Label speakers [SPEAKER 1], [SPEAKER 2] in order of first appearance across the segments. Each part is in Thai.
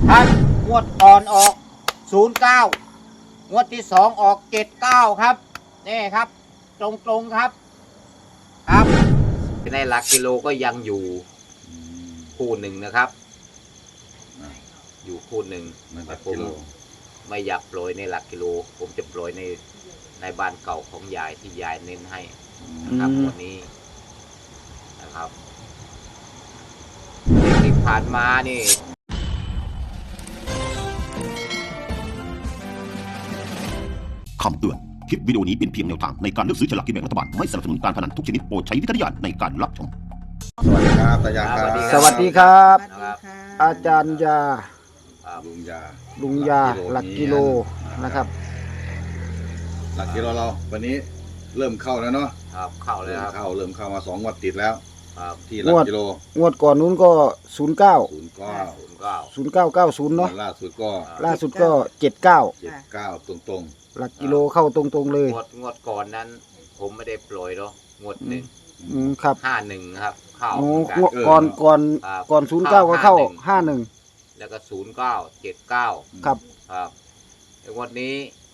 [SPEAKER 1] ครับงวดก่อนออก09งวดที่2ออก79ครับนี่ครับตรงๆครับครับในหลักกิโลก็ยังอยู่คู่หนึ่งนะครับอยู่คู่หนึ่งแต่ผมไม่อยากโปรยในหลักกิโลผมจะโปรยในบ้านเก่าของยายที่ยายเน้นให้นะครับวันนี้นะครับที่ผ่านมานี่
[SPEAKER 2] คำเตือน คลิปวิดีโอนี้เป็นเพียงแนวทางในการเลือกซื้อฉลากกินแบ่งรัฐบาล ไม่สนับสนุนการพนันทุกชนิดโปรดใช้วิจารณญาณในการรับชม
[SPEAKER 3] สวัสดีครับตายาครับ
[SPEAKER 4] สวัสดีครับ
[SPEAKER 1] นะครับ
[SPEAKER 4] อาจารย์ยา
[SPEAKER 3] ลุงยา
[SPEAKER 4] ลุงยาหลักกิโลนะครับ
[SPEAKER 3] หลักกิโลเราวันนี้เริ่มเข้าแล้วเนาะ
[SPEAKER 1] ครับเข้าเลยครับ
[SPEAKER 3] เริ่มเข้ามา2 งวดติดแล้ว
[SPEAKER 1] ครับ
[SPEAKER 3] ที่หลักกิโล
[SPEAKER 4] งวดก่อนนู้นก็ 09
[SPEAKER 3] 09
[SPEAKER 4] 0990 เนาะ
[SPEAKER 3] ล่าสุดก็
[SPEAKER 4] ล่าสุดก็ 79
[SPEAKER 3] 79ตรง
[SPEAKER 4] หลักกิโลเข้าตรงๆเลย
[SPEAKER 1] งวดก่อนนั้น ผมไม่ได้โปรยหรอกงวดหนึ่ง
[SPEAKER 4] ครับ
[SPEAKER 1] 51ครับเข้า
[SPEAKER 4] โอ้
[SPEAKER 1] เหมือนกัน
[SPEAKER 4] ก่อน 09 ก็เข้า 51
[SPEAKER 1] แล้วก็09 79
[SPEAKER 4] ครับ
[SPEAKER 1] ครับแต่งวดนี้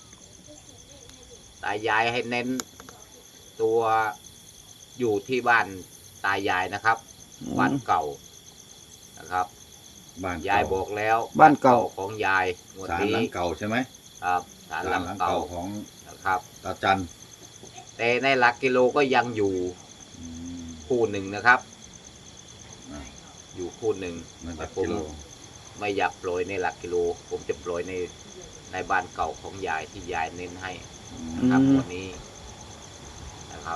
[SPEAKER 1] ตายายให้เน้นตัวอยู่ที่บ้านตายายนะครับบ้านเก่านะครับ
[SPEAKER 3] ๆบ้าน
[SPEAKER 1] ยายบอกแล้ว
[SPEAKER 4] บ้านเก่า
[SPEAKER 1] ของยายงวด
[SPEAKER 3] ศาล
[SPEAKER 1] นี้
[SPEAKER 3] หลังเก่าใช่ไหม
[SPEAKER 1] ครับศาลหลัง
[SPEAKER 3] หลัง
[SPEAKER 1] เก่า
[SPEAKER 3] เก่าของ
[SPEAKER 1] นะครับ
[SPEAKER 3] ตาจัน
[SPEAKER 1] แต่ในหลักกิโลก็ยังอยู่คู่หนึ่งนะครับ อยู่คู่หนึ่ง
[SPEAKER 3] มันห
[SPEAKER 1] แต่
[SPEAKER 3] ลัก
[SPEAKER 1] ผม
[SPEAKER 3] กิโล
[SPEAKER 1] ไม่อยากโปรยในหลักกิโล ผมจะโปรยในบ้านเก่าของยายที่ยายเน้นให้นะครับวันนี้นะครับ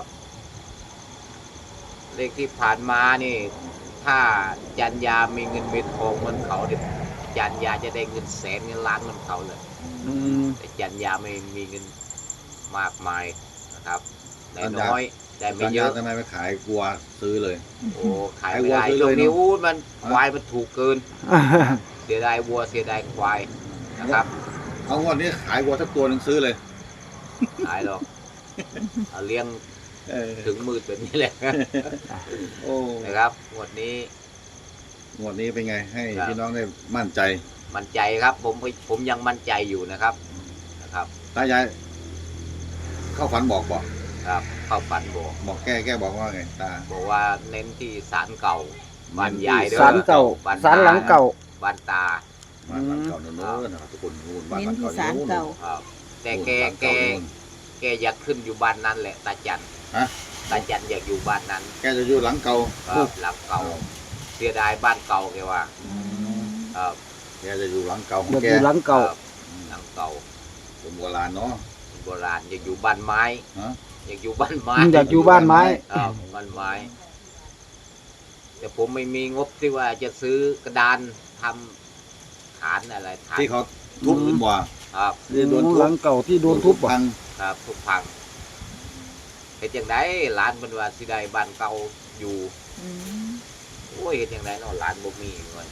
[SPEAKER 1] เลขที่ผ่านมานี่ ถ้าจันยามีเงินมีทองเหมือนเขาเนี่ยจันยาจะได้เงินแสนเงินล้านเหมือนเขาเลย แต่จันยาไม่มีเงินมากมายนะครับได้น้อยได้ไม่
[SPEAKER 3] จัน
[SPEAKER 1] เย
[SPEAKER 3] ยา
[SPEAKER 1] อะ
[SPEAKER 3] ทำไมไม่ขายกลัวซื้อเลย
[SPEAKER 1] โอ้ขายไม่ได้
[SPEAKER 3] ขายวัวซื้อ
[SPEAKER 1] ตรงนี้
[SPEAKER 3] เลยเนอะ
[SPEAKER 1] อู้มันควายมันถูกเกิน เสียดายวัวเสียดายควายนะครับ
[SPEAKER 3] เอางวดนี้ขายวัวสักตัวหนึงซื้อเลย
[SPEAKER 1] ขายหรอกเอาเลี้ยง
[SPEAKER 3] เออ
[SPEAKER 1] ถึงมืดแบบนี้แหละ
[SPEAKER 3] โอ้
[SPEAKER 1] นะครับงวดนี้
[SPEAKER 3] งวดนี้เป็นไงให้
[SPEAKER 1] ครับ
[SPEAKER 3] พี่น้องได้มั่นใจ
[SPEAKER 1] มั่นใจครับ ผมยังมั่นใจอยู่นะครับนะครับ
[SPEAKER 3] ตายายเข้าฝันบอก
[SPEAKER 1] ครับเข้าฝันบอก
[SPEAKER 3] บอกแก้บอกว่าไงตา
[SPEAKER 1] บอกว่าเน้นที่ศาลเก่าบ้านยายเด้อ
[SPEAKER 4] ศาลเก่า
[SPEAKER 1] บ้น
[SPEAKER 4] ศาลหลังเก่า
[SPEAKER 1] บ้านตา
[SPEAKER 3] บ้านหลังเก่าโน้นนะครับทุกคนนู่นบ้าน
[SPEAKER 5] เน้น
[SPEAKER 3] หลัง
[SPEAKER 5] ที่
[SPEAKER 3] เก่า
[SPEAKER 5] ศาลเก่า
[SPEAKER 1] ครับแต่
[SPEAKER 3] นู่น
[SPEAKER 1] แก
[SPEAKER 3] บ้าน
[SPEAKER 1] แก
[SPEAKER 3] เก่านู่น
[SPEAKER 1] แกอยากขึ้นอยู่บ้านนั้นแหละตาจัน
[SPEAKER 3] ฮะ
[SPEAKER 1] ตาจันอยากอยู่บ้านนั้น
[SPEAKER 3] แกจะอยู่หลังเก่า
[SPEAKER 1] ครับหลังเก่าเสียดายบ้านเก่าแกว่าครับ
[SPEAKER 3] แกจะอยู่หลังเก่าของ
[SPEAKER 4] เดี๋ยว
[SPEAKER 3] แก
[SPEAKER 4] อยู่หลังเก่า
[SPEAKER 1] ครับหลังเก่า
[SPEAKER 3] คนโบราณเนาะ
[SPEAKER 1] โบราณอยากอยู่บ้านไม้
[SPEAKER 3] ฮะ
[SPEAKER 1] อยากอยู่บ้านไม้
[SPEAKER 4] อยากอยู่บ้านไม้
[SPEAKER 1] ครับบ้านไม้ แต่ผมไม่มีงบที่ว่าจะซื้อกระดานทำฐานอะไรฐาน
[SPEAKER 3] ที่เขาทุบขึ้นบ่า
[SPEAKER 1] ครับ
[SPEAKER 3] ที่โดนทุ
[SPEAKER 4] ห
[SPEAKER 3] บ
[SPEAKER 4] ลังเก่าที่โดนทุบอ่ะ
[SPEAKER 3] พัง
[SPEAKER 1] ครับทุกพังเห็นอย่างไรร้านเป็นว่าสิได้บ้านเก่าอยู่
[SPEAKER 5] อืม
[SPEAKER 1] โอ้ยเห็นอย่างไรเนาะร้านบ่มีเงิน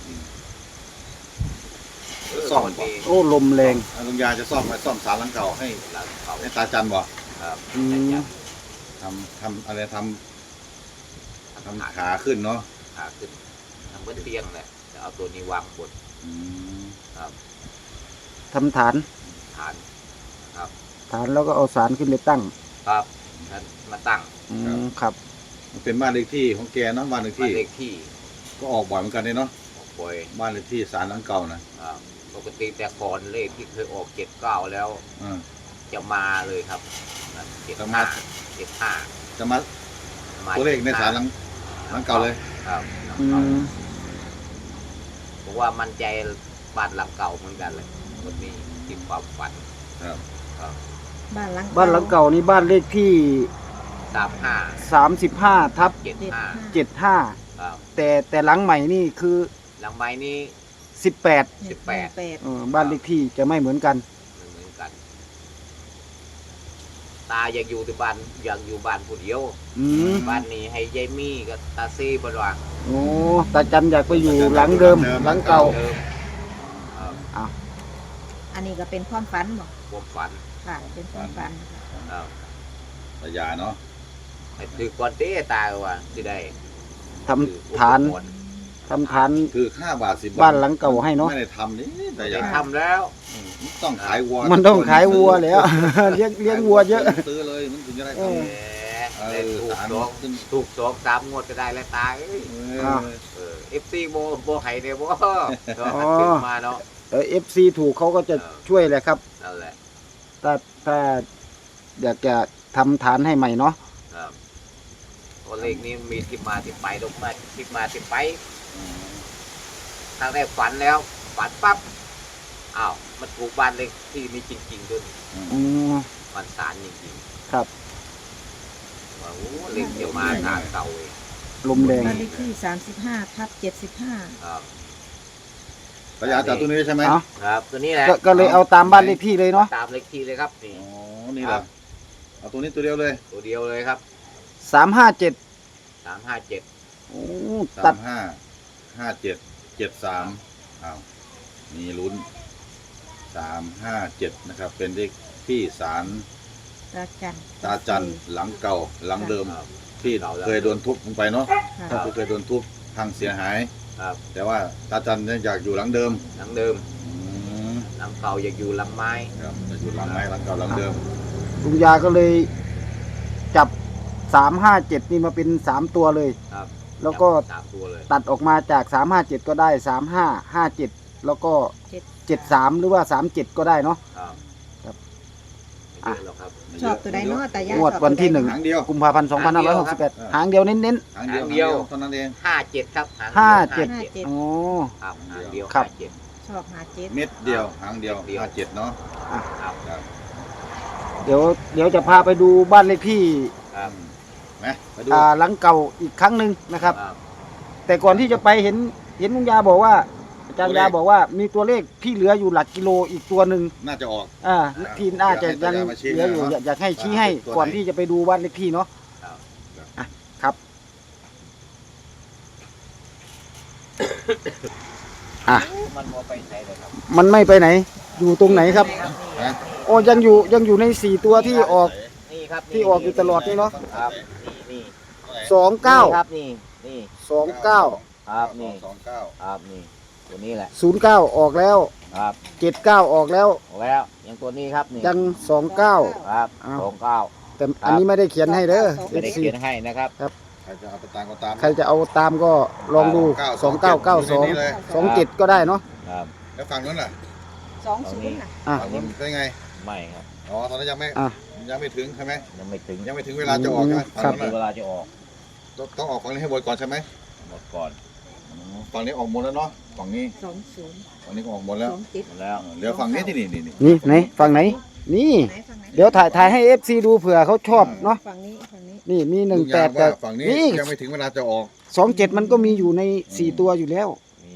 [SPEAKER 3] ซ่อม
[SPEAKER 1] คน
[SPEAKER 3] บ่
[SPEAKER 1] มี
[SPEAKER 4] โอ้ลมแรง
[SPEAKER 3] ลุงยาจะซ่อมศาลหลังเก่าให้
[SPEAKER 1] หลังเก่า
[SPEAKER 3] ให้ตาจันบ่
[SPEAKER 1] ครับ
[SPEAKER 4] อืม
[SPEAKER 3] ทำอะไรทำขาขึ้นเนาะ
[SPEAKER 1] ขาขึ้นทำเหมือนเตียงแหละจะเอาตัวนี้วางบน
[SPEAKER 3] อืม
[SPEAKER 1] ครับ
[SPEAKER 4] ทำฐาน
[SPEAKER 1] ฐานครับ
[SPEAKER 4] ฐานแล้วก็เอาสารขึ้นไปตั้ง
[SPEAKER 1] ครับนั้นมาตั้ง
[SPEAKER 4] ครับ
[SPEAKER 3] มันเป็นบ้านเลขที่ของแกเนาะบ้านเลข
[SPEAKER 1] บ้าน
[SPEAKER 3] ที่
[SPEAKER 1] เลขที่
[SPEAKER 3] ก็ออกบ่อยเหมือนกันเลยเนาะ
[SPEAKER 1] ออกบ่อย
[SPEAKER 3] บ้านเลขที่ศาลหลังเก่านะ
[SPEAKER 1] ปกติแต่ก่อนเลขที่เคยออก79แล้ว
[SPEAKER 3] อ่า
[SPEAKER 1] จะมาเลยครับเจ็ด
[SPEAKER 3] จะมา
[SPEAKER 1] ห้า
[SPEAKER 3] จะมาตัวเลขในศาลหลังเก่าเลย
[SPEAKER 1] ครับ
[SPEAKER 4] อืม
[SPEAKER 1] ผมว่ามั่นใจบ้านหลังเก่าเหมือนกันเลยวันนี้ที่ความฝัน
[SPEAKER 3] ครับ
[SPEAKER 1] ครับ
[SPEAKER 5] บ้านหลัง
[SPEAKER 4] บ้านหลังเก่านี่บ้านเลขที่
[SPEAKER 1] 35
[SPEAKER 4] 35/75
[SPEAKER 1] 75ครับ
[SPEAKER 4] แต่หลังใหม่นี่คือ
[SPEAKER 1] หลังไม้นี้
[SPEAKER 4] 18
[SPEAKER 1] 18
[SPEAKER 4] บ้านเลขที่จะไม่เหมือนกัน
[SPEAKER 1] มันเหมือนกัน ตาอยากอยู่ที่บ้านอยากอยู่บ้านผู้เดียว
[SPEAKER 4] อืม
[SPEAKER 1] บ้านนี้ให้ยายมี่กับตาซี่บดว่า
[SPEAKER 4] โอ้ตาจันอยากไปอยู่หลังเดิมหลังเก่า
[SPEAKER 1] เดิม
[SPEAKER 5] อันนี้ก็เป็นความฝันบอก
[SPEAKER 1] ความฝัน
[SPEAKER 5] ค่ะ เป็นความฝัน
[SPEAKER 1] ครับ
[SPEAKER 3] ตายาเนาะ
[SPEAKER 1] ให้ถือก่อนเต้ตาว่าสิได้
[SPEAKER 4] ทำฐาน
[SPEAKER 1] อุปกรณ์
[SPEAKER 4] ทำฐาน
[SPEAKER 3] คือ5 บาท 10 บาท
[SPEAKER 4] บ้านหลังเก่าให้เนาะ
[SPEAKER 3] ไม่ได้ทำนี่แต่อ
[SPEAKER 1] ได้
[SPEAKER 3] ยาก
[SPEAKER 1] ทำแล้ว
[SPEAKER 3] ต้องขายวัว
[SPEAKER 4] มันต้องขายวัวแล้ว เลี้ยงวัวเยอะ
[SPEAKER 3] ซื้อเลยมันถึงจะได้
[SPEAKER 4] เออ
[SPEAKER 3] ทำ
[SPEAKER 1] ได้ถูกสองสามงวดก็ได้แล้วตาเอ้ย
[SPEAKER 4] อ้าว
[SPEAKER 1] FC โบไห้เนี่ยโบก็ขึ้นมาเนาะ
[SPEAKER 4] FC ถูกเขาก็จะช่วยแหละครับ
[SPEAKER 1] นั่นแหละ
[SPEAKER 4] ถ้าอยากจะทำฐานให้ใหม่เนาะ
[SPEAKER 1] ครับตัวเลขนี้มีที่มาที่ไปลงมาที่มาที่ไปครั้งแรกฝันแล้วฝันปั๊บอ้าวมันถูกบ้านเลขที่นี้จริงๆด้วย
[SPEAKER 4] อืม
[SPEAKER 1] มันสารจริง
[SPEAKER 4] ครับ
[SPEAKER 1] ๆว่าโอ้เลขจะมาทางเก่าเอง
[SPEAKER 4] ลมแรง
[SPEAKER 5] บ้านเลขที่35/75
[SPEAKER 1] ครับ
[SPEAKER 3] พยาจากตัวนี้ใช่ไหม
[SPEAKER 4] เอ้า
[SPEAKER 1] ครับตัวนี้แหละ
[SPEAKER 4] ก็เลยเอาตามบ้านเลขที่เลยเนาะ
[SPEAKER 1] ตามเลขที่เลยครับนี่
[SPEAKER 3] อ๋อนี่เหรอเอาตัวนี้ตัวเดียวเลย
[SPEAKER 1] ตัวเดียวเลยครับ
[SPEAKER 4] 357
[SPEAKER 1] 357
[SPEAKER 4] โอ้ตัด
[SPEAKER 3] 355773อ้าวมีลุ้น357นะครับเป็นเลขที่ศาล
[SPEAKER 5] ตาจัน
[SPEAKER 3] ตาจันหลังเก่าหลังเดิม
[SPEAKER 1] ครับ
[SPEAKER 3] ที่เคยโดนทุบลงไปเนาะ
[SPEAKER 5] ค่ะ
[SPEAKER 3] ที่เคยโดนทุบพังเสียหาย
[SPEAKER 1] ครับ
[SPEAKER 3] แต่ว่าตาจันเนี่ยอยากอยู่หลังเดิม
[SPEAKER 1] หลังเดิม
[SPEAKER 3] อืม
[SPEAKER 1] หลังเก่าอยากอยู่หลังไม้
[SPEAKER 3] ครับจะอยู่หลังไม้หลังเก่าหลังเดิม
[SPEAKER 4] ลุงยาก็เลยจับ357นี่มาเป็น3ตัวเลย
[SPEAKER 1] ครับ
[SPEAKER 4] แล้วก็
[SPEAKER 1] จับ3ตัวเลย
[SPEAKER 4] ตัดออกมาจาก357ก็ได้3557แล้วก็73หรือว่า37ก็ได้เนาะ
[SPEAKER 1] ครับ
[SPEAKER 4] ครับ
[SPEAKER 1] ไม่เยอะหรอกครับ
[SPEAKER 5] ชอบตัวใดเนาะตายาง
[SPEAKER 4] วดวันที่
[SPEAKER 5] ชอบตัวใ
[SPEAKER 4] 1
[SPEAKER 3] หางเดียว
[SPEAKER 4] กุมภาพันธ์2568หางเดียวเน้น
[SPEAKER 3] หางเดียว
[SPEAKER 1] หางเดียว
[SPEAKER 3] เท่านั้นเอง
[SPEAKER 1] 57ครับหาง
[SPEAKER 4] 57 ๆอ๋อ
[SPEAKER 1] ครับหางเดียว
[SPEAKER 4] ครับ
[SPEAKER 5] ชอบ57
[SPEAKER 3] เม็ดเดียวหางเดียว
[SPEAKER 1] เม็ดเดียว
[SPEAKER 3] 57เนาะ
[SPEAKER 1] ครับ
[SPEAKER 3] ครับ
[SPEAKER 4] เดี๋ยวจะพาไปดูบ้านเลขที่
[SPEAKER 1] ครับ
[SPEAKER 3] ไหมไปดู
[SPEAKER 4] หลังเก่าอีกครั้งหนึ่งนะครับ
[SPEAKER 1] ครับ
[SPEAKER 4] แต่ก่อนที่จะไปเห็นลุงยาบอกว่าอาจารย์ยาบอกว่ามีตัวเลขที่เหลืออยู่หลักกิโลอีกตัวหนึ่ง
[SPEAKER 3] น่าจะออก
[SPEAKER 4] ที่น่าจะยัง
[SPEAKER 3] อยากให้อาจารย์มาชี้
[SPEAKER 4] เหลืออยู่
[SPEAKER 3] นะ
[SPEAKER 4] อยากให้ชี้ให้
[SPEAKER 3] ตัวไหน
[SPEAKER 4] ก่อนที่จะไปดูบ้านเลขที่เนาะ
[SPEAKER 1] ครับ
[SPEAKER 4] ครับอ่ะ
[SPEAKER 1] มันโมไปไหนเลยครับ
[SPEAKER 4] มันไม่ไปไหน อยู่ตรงไหนครับ
[SPEAKER 3] นะ
[SPEAKER 4] โอ้ยังอยู่ใน4ตัวที่ออก
[SPEAKER 1] นี่ครับ
[SPEAKER 4] ที่ออกอยู่ตลอดนี่เนาะ
[SPEAKER 1] ครับนี่
[SPEAKER 4] 29
[SPEAKER 1] ครับนี่
[SPEAKER 4] 29
[SPEAKER 1] ครับนี่
[SPEAKER 3] 29
[SPEAKER 1] ครับนี่ตัวนี้แหละ
[SPEAKER 4] 09ออกแล้ว
[SPEAKER 1] ครับ
[SPEAKER 4] 79ออกแล้ว
[SPEAKER 1] ออกแล้วยังตัวนี้ครับนี่
[SPEAKER 4] ยัง29
[SPEAKER 1] ครับ
[SPEAKER 4] อ้าว
[SPEAKER 1] 29
[SPEAKER 4] แต่อันนี้ไม่ได้เขียนให้เด้อ
[SPEAKER 1] ไม่ได้
[SPEAKER 4] FC
[SPEAKER 1] เขียนให้นะครับ
[SPEAKER 3] ใครจะเอาไปตามก็ตาม
[SPEAKER 4] ใครจะเอาตามก็ลองดู
[SPEAKER 3] 29
[SPEAKER 4] 2992 27 ก็ได้เนาะ
[SPEAKER 1] ครับ
[SPEAKER 3] แล้วฝั่งนั้นล่ะ
[SPEAKER 5] 20น่ะ
[SPEAKER 4] อ่ะ
[SPEAKER 3] ฝั่งนั้นเป็นไง
[SPEAKER 1] ไม่ครับ
[SPEAKER 3] อ๋อตอนนั้นยังไม่
[SPEAKER 4] อ่ะ
[SPEAKER 3] ยังไม่ถึงใช่ไหม
[SPEAKER 1] ยังไม่ถึง
[SPEAKER 3] ยังไม่ถึงเวลาจะออกใช่ไหม
[SPEAKER 4] ครั
[SPEAKER 3] ฝั่
[SPEAKER 4] บ
[SPEAKER 3] งนั้น
[SPEAKER 1] เว
[SPEAKER 3] น่ะ
[SPEAKER 1] ลาจะออก
[SPEAKER 3] ต้องออกฝั่งนี้ให้หมดก่อนใช่ไหม
[SPEAKER 1] หมดก่อน
[SPEAKER 3] ฝั่งนี้ออกหมดแล้วเนาะฝั่งนี้
[SPEAKER 5] 20
[SPEAKER 3] ฝั่งนี้ก็ออกหมดแล้ว
[SPEAKER 1] หมดแล้ว
[SPEAKER 3] เหลือฝั่งนี้ที่นี่
[SPEAKER 4] นี่ไหนฝั่งไหน นี่
[SPEAKER 5] ไหนฝั่งไหน
[SPEAKER 4] เดี๋ยวถ่ายให้ FC ดูเผื่อเขาชอบเนาะ
[SPEAKER 5] ฝั่งนี้
[SPEAKER 4] นี่มี
[SPEAKER 3] ลุงยาม
[SPEAKER 4] 18แต่
[SPEAKER 3] ว่าฝั่งนี้
[SPEAKER 4] นี่
[SPEAKER 3] ยังไม่ถึงเวลาจะออก
[SPEAKER 4] 27 มันก็มีอยู่ใน 4 ตัวอยู่แล้ว
[SPEAKER 1] มี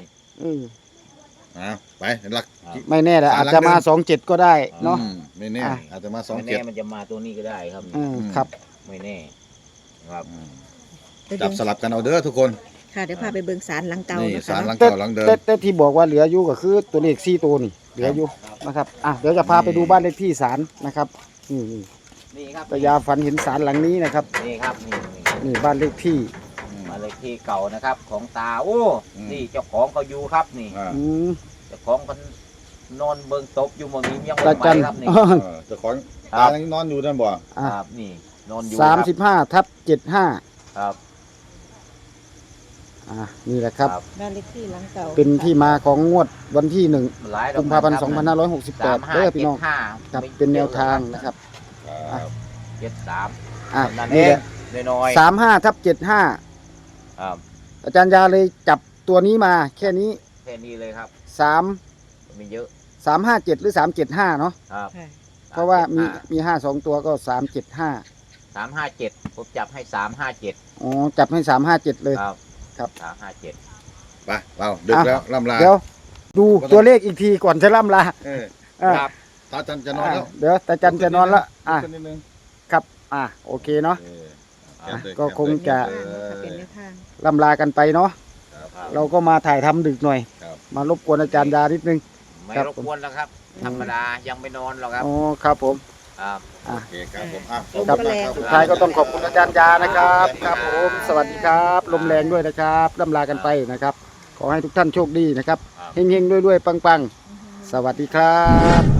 [SPEAKER 3] ไปหลัก
[SPEAKER 4] ไม่แน่แหละอาจจะมา 27 ก็ได้เนาะ
[SPEAKER 3] ไม่แน่
[SPEAKER 4] อ่ะ
[SPEAKER 3] อาจจะมา
[SPEAKER 1] ไม่แน่มันจะมาตัวนี้ก็ได้ครับ
[SPEAKER 4] ครับ
[SPEAKER 1] ไม่แน่ครับ
[SPEAKER 3] จับสลับกันเอาเด้อทุกคน
[SPEAKER 5] ค่ะเดี๋ยวพาไปเบิ่งศาลหลังเก่า
[SPEAKER 3] นี่
[SPEAKER 5] นะ
[SPEAKER 3] สา
[SPEAKER 5] คะ
[SPEAKER 3] รหลัง
[SPEAKER 4] แต่
[SPEAKER 3] เก่าหลังเดิม
[SPEAKER 4] แต่ที่บอกว่าเหลืออยู่ก็คือตัวเลข4ตัวนี่เหลืออยู่นะครับเดี๋ยวจะพาไปดูบ้านเลขที่ศาลนะครับนี่
[SPEAKER 1] นี่ครับ
[SPEAKER 4] ตายาฝันเห็นศาลหลังนี้นะครับ
[SPEAKER 1] นี่ครับนี่
[SPEAKER 4] นี่บ้านเลขที่
[SPEAKER 1] มาเลยที่เก่านะครับ ของตาโอ้นี่เจ้าของเขาอยู่ครับนี่
[SPEAKER 4] อืม
[SPEAKER 1] เจ้าของมันนอนเบิ่งตบอยู่หมองนี้ยัง
[SPEAKER 4] ตา
[SPEAKER 1] ไม่
[SPEAKER 4] จัน
[SPEAKER 1] ไปครับนี่
[SPEAKER 3] เจ้าของ
[SPEAKER 1] ค
[SPEAKER 3] ตา
[SPEAKER 1] รับ
[SPEAKER 3] ยังนอนอยู่นั่นบ่
[SPEAKER 1] ครับนี่นอนอยู่ครับ
[SPEAKER 4] 35/75
[SPEAKER 1] ครับ
[SPEAKER 4] นี่แหละครับ
[SPEAKER 5] บ้านเลขที่หลังเก่า
[SPEAKER 4] เป็นที่มาของงวดวันที่
[SPEAKER 1] หลายด
[SPEAKER 4] 1
[SPEAKER 1] อก
[SPEAKER 4] กุมภาพันธ์
[SPEAKER 1] ครับ
[SPEAKER 4] 2568เด้อพี่น้องครับเป็นแนวทางนะครับ
[SPEAKER 1] 73
[SPEAKER 4] อ่ะ
[SPEAKER 1] นั่นเอ
[SPEAKER 4] นี่
[SPEAKER 1] ง
[SPEAKER 4] แหละ
[SPEAKER 1] น้อย
[SPEAKER 4] 35/75
[SPEAKER 1] ครับ
[SPEAKER 4] อาจารย์ยาเลยจับตัวนี้มาแค่นี้
[SPEAKER 1] แค่นี้เลยครับ
[SPEAKER 4] 3
[SPEAKER 1] มีเยอะ
[SPEAKER 4] 357 หรือ 375 เนาะ
[SPEAKER 1] ครับ
[SPEAKER 5] ค่ะ
[SPEAKER 4] เพราะว่ามี5 2 ตัวก็ 375
[SPEAKER 1] 357ผมจับให้357
[SPEAKER 4] อ๋อจับให้ 357 เลย
[SPEAKER 1] ครับ
[SPEAKER 4] ครับ
[SPEAKER 1] 357
[SPEAKER 3] ไปเราดึกแล้วล่ำลา
[SPEAKER 4] เดี๋ยวดูตัวเลขอีกทีก่อนจะล่ำลา
[SPEAKER 3] เออ
[SPEAKER 4] อ่ะ
[SPEAKER 1] ครับ
[SPEAKER 3] ตาจันจะนอนแล้ว
[SPEAKER 4] เดี๋ยวตาจันจะนอนละ
[SPEAKER 3] ลุกขึ้นนิดนึง
[SPEAKER 4] ครับโอเคเนาะ
[SPEAKER 3] เออ
[SPEAKER 1] อ่ะ
[SPEAKER 3] แบเลย
[SPEAKER 4] ก็คงจะ
[SPEAKER 3] เออ
[SPEAKER 5] เป็นแนวทาง
[SPEAKER 4] ล่ำลากันไปเนาะ
[SPEAKER 3] ครับ
[SPEAKER 4] เราก็มาถ่ายทำดึกหน่อย
[SPEAKER 3] ครับ
[SPEAKER 4] มารบกวนอาจารย์ยานิดนึง
[SPEAKER 1] ไม่
[SPEAKER 4] ครับ
[SPEAKER 1] รบกวนแล้วครับ ธรรมดายังไม่นอนหรอกครับ
[SPEAKER 4] อ๋อครับผม
[SPEAKER 1] ครับ
[SPEAKER 3] โอเคครับผมอ่ะ
[SPEAKER 4] ครับ
[SPEAKER 3] ขอณมาก
[SPEAKER 4] สุดท้ายก็ต้องขอบคุณอาจารย์ยานะครับ ครับผม สวัสดีครับ ลมแรงด้วยนะครับล่ำลากันไปนะครับขอให้ทุกท่านโชคดีนะครับ
[SPEAKER 3] ครับ
[SPEAKER 4] เฮงๆรวยๆปังๆสวัสดีครับ